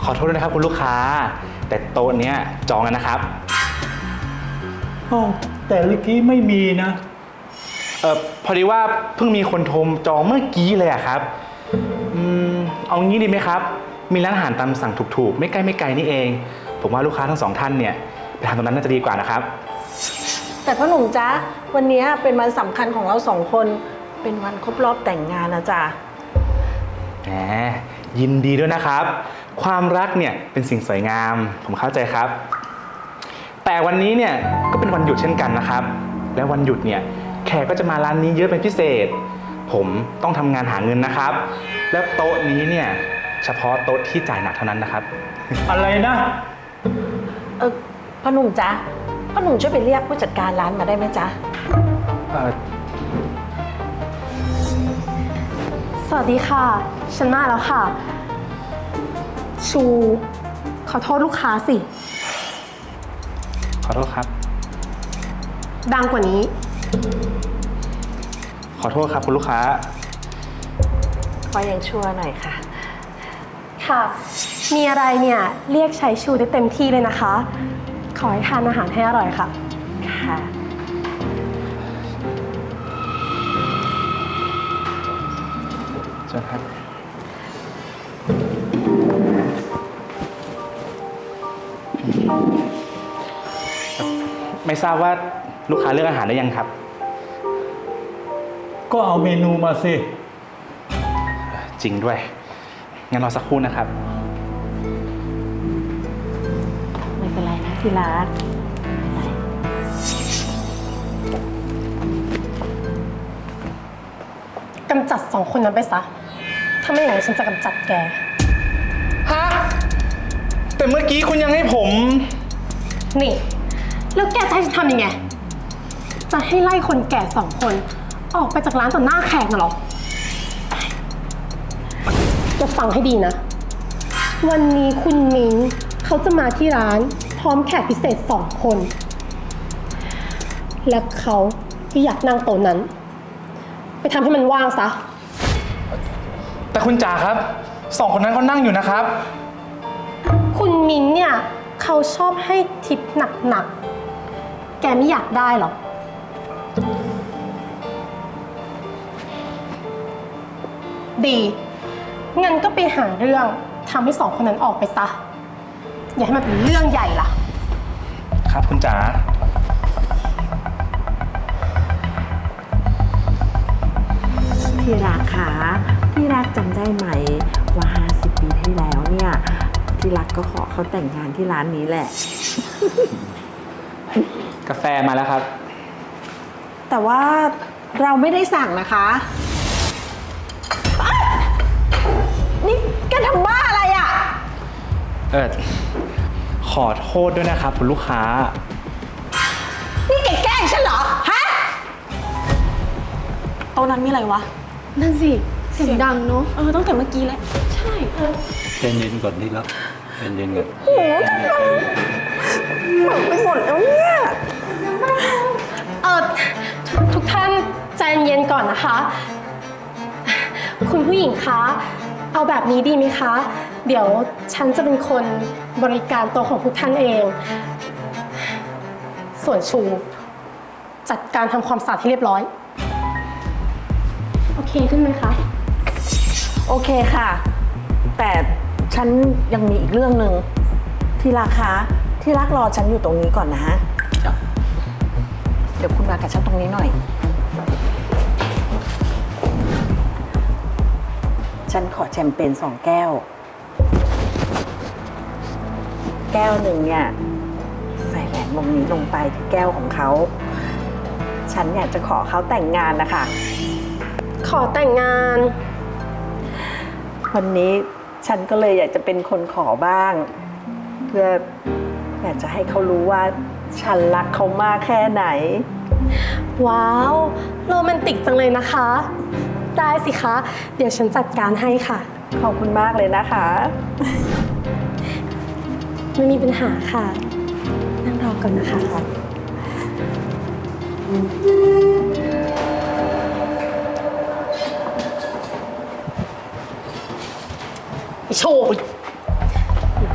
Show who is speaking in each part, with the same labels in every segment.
Speaker 1: อโทษด้วยนะครับคุณลูกค้า แต่โต๊ะเนี้ยจองแล้วนะครับ
Speaker 2: อ้าวแต่เมื่อกี้ไม่มีนะ
Speaker 1: พอดีว่าเพิ่งมีคนโทรจองเมื่อกี้เลยอะครับเอางี้ดีไหมครับ มีร้านอาหารตามสั่งถูกๆไม่ใกล้ไม่ไกลนี่เอง ผมว่าลูกค้าทั้งสองท่านเนี่ยไปทานตรงนั้นน่าจะดีกว่านะครับ
Speaker 3: แต่พ่อหนุ่มจ๊ะวันนี้เป็นวันสำคัญของเราสองคนเป็นวันครบรอบแต่งงานนะจ๊ะ
Speaker 1: แหมยินดีด้วยนะครับ ความรักเนี่ยเป็นสิ่งสวยงาม ผมเข้าใจครับ แต่วันนี้เนี่ยก็เป็นวันหยุดเช่นกันนะครับ และวันหยุดเนี่ยแขกก็จะมาร้านนี้เยอะเป็นพิเศษ ผมต้องทำงานหาเงินนะครับ และโต๊ะนี้เนี่ยเฉพาะโต๊ะที่จ่ายหนักเท่านั้นนะครับ
Speaker 2: อะไรนะ
Speaker 3: พ่อหนุ่มจ๊ะพ่อหนุ่มช่วยไปเรียกผู้จัดการร้านมาได้ไหมจ๊ะ
Speaker 4: สวัสดีค่ะ ฉันมาแล้วค่ะ ชูขอโทษลูกค้าสิ
Speaker 1: ขอโทษครับ
Speaker 4: ดังกว่านี้
Speaker 1: ขอโทษครับคุณลูกค้า
Speaker 3: ขอยังชั่วหน่อยค่ะ
Speaker 4: ค่ะ มีอะไรเนี่ยเรียกใช้ชูได้เต็มที่เลยนะคะ ขอให้ทานอาหารให้อร่อยค่ะ
Speaker 3: ค่ะ
Speaker 1: เชิญครับ ไม่ทราบว่าลูกค้าเลือกอาหารได้ยังครับ
Speaker 2: ก็เอาเมนูมาสิ
Speaker 1: จริงด้วย งั้นรอสักครู่นะครับ
Speaker 3: ไม่เป็นไรนะที่รักไม่เป็นไร
Speaker 4: กำจัดสองคนนั้นไปซะ ถ้าไม่อย่างนั้นฉันจะกำจัดแก
Speaker 1: ฮะ แต่เมื่อกี้คุณยังให้ผม
Speaker 4: นี่ แล้วแกจะให้ฉันทำยังไง จะให้ไล่คนแก่สองคน ออกไปจากร้านต่อหน้าแขกน่ะเหรอ จะฟังให้ดีนะ วันนี้คุณมิ้งเขาจะมาที่ร้านพร้อมแขกพิเศษสองคน และเขาก็อยากนั่งโต๊ะนั้น ไปทำให้มันว่างซะ
Speaker 1: แต่คุณจ๋าครับ สองคนนั้นเขานั่งอยู่นะครับ
Speaker 4: คุณมิ้งเนี่ยเขาชอบให้ทิปหนักๆ แกไม่อยากได้หรอ ดี งั้นก็ไปหาเรื่องทำให้สองคนนั้นออกไปซะ อย่าให้มันเป็นเรื่องใหญ่ล่ะ
Speaker 1: ครับคุณจ๋า
Speaker 3: ที่รักค่ะที่รักจำได้ไหมว่า50 ปีที่แล้วเนี่ยที่รักก็ขอเขาแต่งงานที่ร้านนี้แหละ
Speaker 1: กาแฟมาแล้วครับ
Speaker 3: แต่ว่าเราไม่ได้สั่งนะคะอ๊ะนี่แกทำบ้าอะไรอ่ะ
Speaker 1: ขอโทษด้วยนะครับคุณลูกค้า
Speaker 3: นี่แกแกล้งฉันเหรอ ฮะ
Speaker 5: โต๊ะนั้นมีอะไรวะ
Speaker 4: นั่นสิ เสียงดังเนาะ
Speaker 5: ตั้งแต่เมื่อกี้แล้ว
Speaker 4: ใช่
Speaker 6: ใจเย็นก่อนนี่แล้วใจเย็นก่อน
Speaker 3: ไปหมดแล้วเนี่ย
Speaker 4: ทุกท่านใจเย็นก่อนนะคะ คุณผู้หญิงคะ เอาแบบนี้ดีไหมคะ เดี๋ยวฉันจะเป็นคนบริการโต๊ะของทุกท่านเอง ส่วนชูจัดการทำความสะอาดให้เรียบร้อย โอเคขึ้นไหมคะ
Speaker 3: โอเคค่ะ แต่ฉันยังมีอีกเรื่องหนึ่งที่รักคะที่รักรอฉันอยู่ตรงนี้ก่อนนะ
Speaker 6: จ้ะ
Speaker 3: เดี๋ยวคุณมากับฉันตรงนี้หน่อย ฉันขอแชมเปญ2 แก้ว แก้วหนึ่งเนี่ยใส่แหวนวงนี้ลงไปที่แก้วของเขา ฉันอยากจะขอเขาแต่งงานนะคะ
Speaker 4: ขอแต่งงาน
Speaker 3: วันนี้ฉันก็เลยอยากจะเป็นคนขอบ้าง เพื่ออยากจะให้เขารู้ว่าฉันรักเขามากแค่ไหน
Speaker 4: ว้าว โรแมนติกจังเลยนะคะ ได้สิคะ เดี๋ยวฉันจัดการให้ค่ะ
Speaker 3: ขอบคุณมากเลยนะคะ
Speaker 4: ไม่มีปัญหาค่ะ นั่งรอก่อนนะคะ ไอโชว์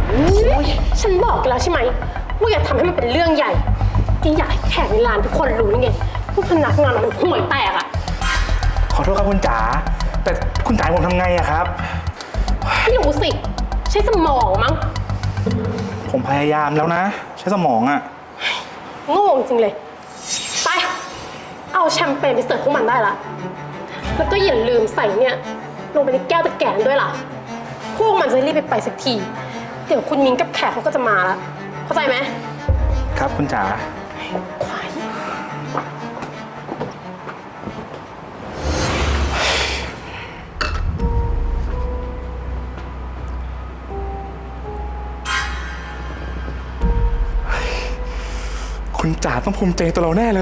Speaker 4: ฉันบอกกันแล้วใช่ไหมว่าอย่าทำให้มันเป็นเรื่องใหญ่ยังอยากให้แขกในร้านทุกคนรู้นี่ไงว่าพนักงานมันห่วยแตกอะ
Speaker 1: ขอโทษครับคุณจ๋า แต่คุณจ๋าให้ผมทำไงอะครับ
Speaker 4: ไม่รู้สิ ใช้สมองมั้ง
Speaker 1: ผมพยายามแล้วนะ ใช้สมองอะ
Speaker 4: โง่จริงเลย ไป เอาแชมเปญไปเสิร์ฟพวกมันได้ละ แล้วก็อย่าลืมใส่เนี่ยลงไปในแก้วตะแกรงด้วยล่ะ พวกมันจะรีบไปสักที เดี๋ยวคุณมิ้งกับแขกเขาก็จะมาแล้ว เข้าใจไหม
Speaker 1: ครับคุณจ๋า
Speaker 4: ควาย
Speaker 1: คุณจ๋าต้องภูมิใจในตัวเราแน่เลย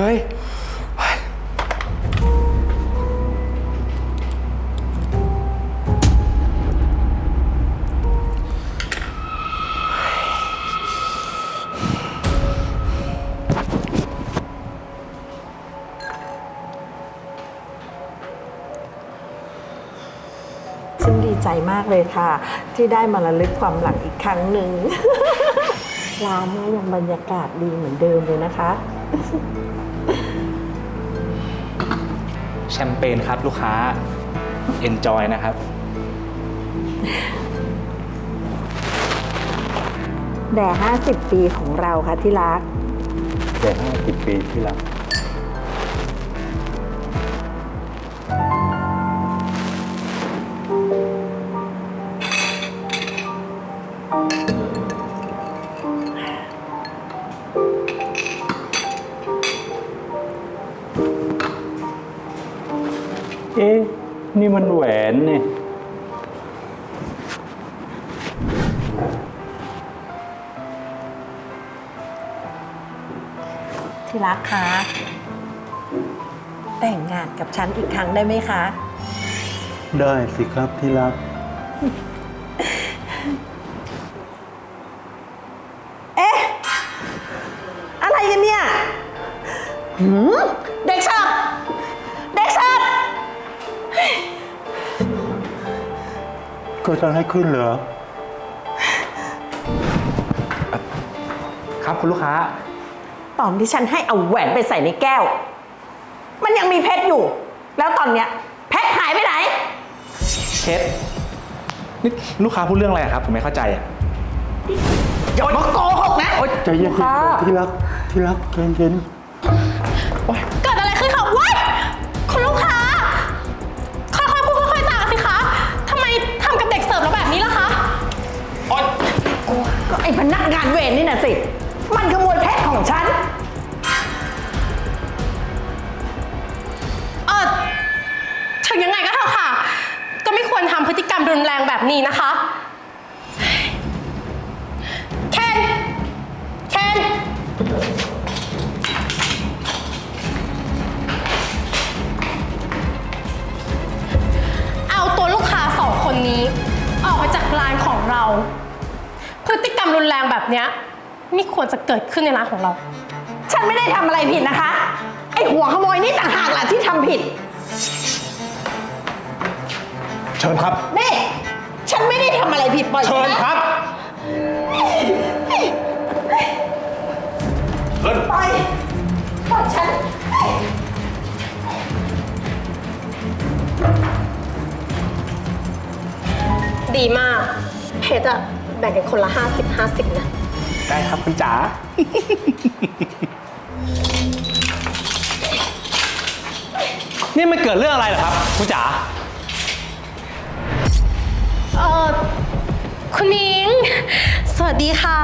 Speaker 3: ฉันดีใจมากเลยค่ะ ที่ได้มาระลึกความหลังอีกครั้งหนึ่ง ร้านนี้ยังบรรยากาศดีเหมือนเดิมเลยนะคะ
Speaker 1: แชมเปญครับลูกค้า enjoy นะครับ
Speaker 3: แด่50 ปีของเราค่ะที่รัก
Speaker 6: แต่50 ปีที่แล้ว เอ๊ะ นี่มันแหวนเนี่ย
Speaker 3: ที่รักคะแต่งงานกับฉันอีกครั้งได้ไหมคะ
Speaker 6: ได้สิครับที่รัก
Speaker 3: อะไรกันเนี่ยเด็กเสิร์ฟเด็กเสิร์ฟ
Speaker 6: ก็จะให้ขึ้นเหรอ
Speaker 1: ครับคุณลูกค้า
Speaker 3: ตอนที่ฉันให้เอาแหวนไปใส่ในแก้ว มันยังมีเพชรอยู่ แล้วตอนเนี้ยเพชรหายไปไหน
Speaker 1: เพชรนี่ลูกค้าพูดเรื่องอะไรอะครับ ผมไม่เข้าใจอะ
Speaker 3: อย่ามาโกหกนะ
Speaker 6: ใจเย็นๆก่อนที่รัก ที่รักใจเย็น
Speaker 4: เกิดอะไรขึ้นคะว้ายคุณลูกค้า ค่อยๆพูดค่อยๆจาสิคะทำไมทำกับเด็กเสิร์ฟเราแบบนี้ล่ะคะ
Speaker 3: ก็ไอ้พนักงานเวรนี่น่ะสิ มันขโมยเพชรของฉัน
Speaker 4: ถึงยังไงก็เถอะค่ะ ก็ไม่ควรทำพฤติกรรมรุนแรงแบบนี้นะคะ เคนเอาตัวลูกค้า2 คนนี้ ออกไปจากร้านของเรา พฤติกรรมรุนแรงแบบเนี้ยไม่ควรจะเกิดขึ้นในร้านของเรา
Speaker 3: ฉันไม่ได้ทำอะไรผิดนะคะ ไอ้หัวขโมยนี่ต่างหากแหละที่ทำผิด
Speaker 1: เชิญครับ
Speaker 3: นี่ ฉันไม่ได้ทำอะไรผิดปล่อย
Speaker 1: เชิญ
Speaker 3: ฉัน
Speaker 1: ครับ เชิญ
Speaker 3: ปล่อยฉัน
Speaker 4: ดีมากเพชรอะแบ่งกันคนละ50-50นะ
Speaker 1: ได้ครับคุณจ๋า
Speaker 5: นี่มันเกิดเรื่องอะไรเหรอครับคุณจ๋า
Speaker 4: คุณนิ้ง สวัสดีค่ะ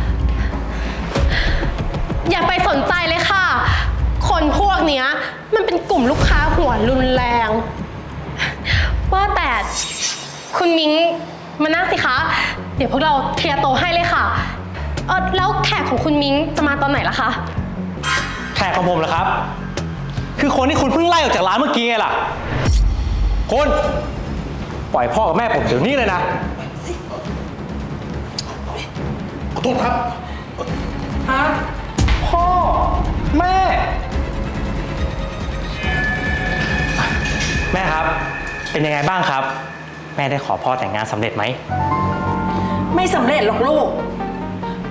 Speaker 4: อย่าไปสนใจเลยค่ะ คนพวกเนี้ยมันเป็นกลุ่มลูกค้าหัวรุนแรง ว่าแต่คุณมิ้งมานั่งสิคะ เดี๋ยวพวกเราเคลียร์โต๊ะให้เลยค่ะ แล้วแขกของคุณมิ้งจะมาตอนไหนล่ะคะ
Speaker 5: แขกของผมเหรอครับ คือคนที่คุณเพิ่งไล่ออกจากร้านเมื่อกี้ไงล่ะคุณปล่อยพ่อกับแม่ผมเดี๋ยวนี้เลยนะ
Speaker 1: ขอโทษครับ ฮะ พ่อ แม่
Speaker 5: แม่ครับ เป็นยังไงบ้างครับ แม่ได้ขอพ่อแต่งงานสำเร็จไหม
Speaker 3: ไม่สำเร็จหรอกลูก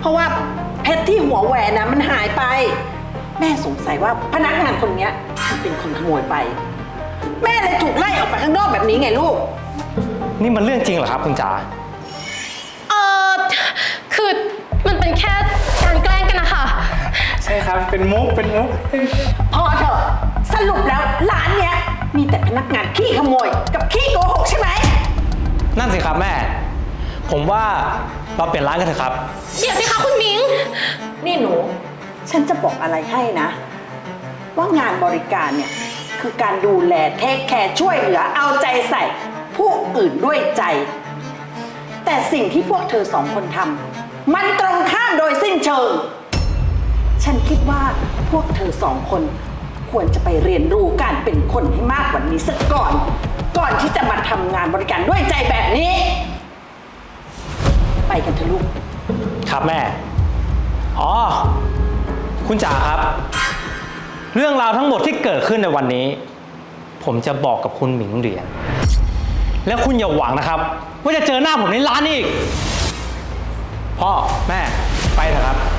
Speaker 3: ราะว่าเพชรที่หัวแหวนนะมันหายไป แม่สงสัยว่าพนักงานคนเนี้ยมันเป็นคนขโมยไป แม่เลยถูกไล่ออกไปข้างนอกแบบนี้ไงลูก
Speaker 5: นี่มันเรื่องจริงเหรอครับคุณจ๋า
Speaker 4: เออคือมันเป็นแค่การแกล้งกันนะคะ
Speaker 1: ใช่ครับ เป็นมุก เป็นมุก
Speaker 3: พอเถอะสรุปแล้วร้านเนี้ยมีแต่พนักงานขี้ขโมยกับขี้โกหกใช่ไหม
Speaker 5: นั่นสิครับแม่ ผมว่าเราเปลี่ยนร้านกันเถอะครับ
Speaker 4: เดี๋ยวสิคะคุณมิง
Speaker 3: นี่หนู ฉันจะบอกอะไรให้นะ ว่างานบริการเนี่ยคือการดูแลเทคแคร์ช่วยเหลือเอาใจใส่ผู้อื่นด้วยใจ แต่สิ่งที่พวกเธอสองคนทำมันตรงข้ามโดยสิ้นเชิง ฉันคิดว่าพวกเธอสองคนควรจะไปเรียนรู้การเป็นคนให้มากกว่านี้สักก่อน ก่อนที่จะมาทำงานบริการด้วยใจแบบนี้ ไปกันเถอะลูก
Speaker 5: ครับแม่ อ๋อ คุณจ๋าครับ เรื่องราวทั้งหมดที่เกิดขึ้นในวันนี้ ผมจะบอกกับคุณหมิงเหรียญ แล้วคุณอย่าหวังนะครับ ว่าจะเจอหน้าผมในร้านอีก พ่อ แม่ ไปเถอะครับ